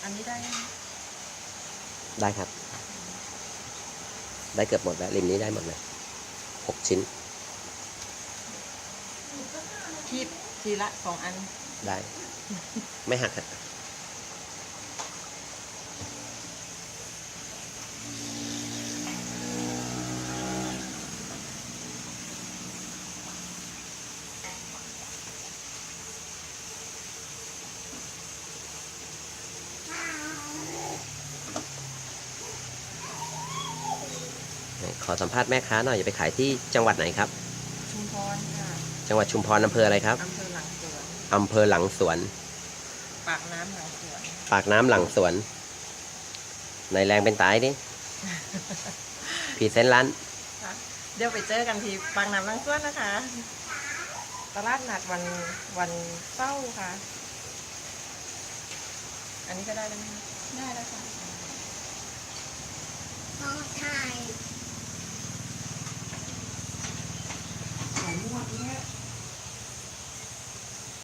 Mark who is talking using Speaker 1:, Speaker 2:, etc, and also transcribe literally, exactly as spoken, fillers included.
Speaker 1: อันนี้ได้
Speaker 2: ได้ครับได้เกือบหมดแล้วริมนี้ได้หมดเลยหกชิ้น
Speaker 1: คีบทีละสองอัน
Speaker 2: ได้ ไม่หักครับขอสัมภาษณ์แม่ค้าหน่อยจะไปขายที่จังหวัดไหนครับ
Speaker 1: ชุมพรค่ะ
Speaker 2: จังหวัดชุมพรอำเภออะไรครับ
Speaker 1: อำเภอหลังสวน
Speaker 2: อำเภอหลังสวน
Speaker 1: ปากน้ำหลังสวน
Speaker 2: ปากน้ำหลังสวนในแรงเป็นตายดิ พรีเซนต์ร้าน
Speaker 1: เดี๋ยวไปเจอกันที่ปากน้ำหลังสวนนะคะตลาดนัดวันวันเสาร์ค่ะอันนี้ก็ได้แล้วไหมได้แล้วค่ะ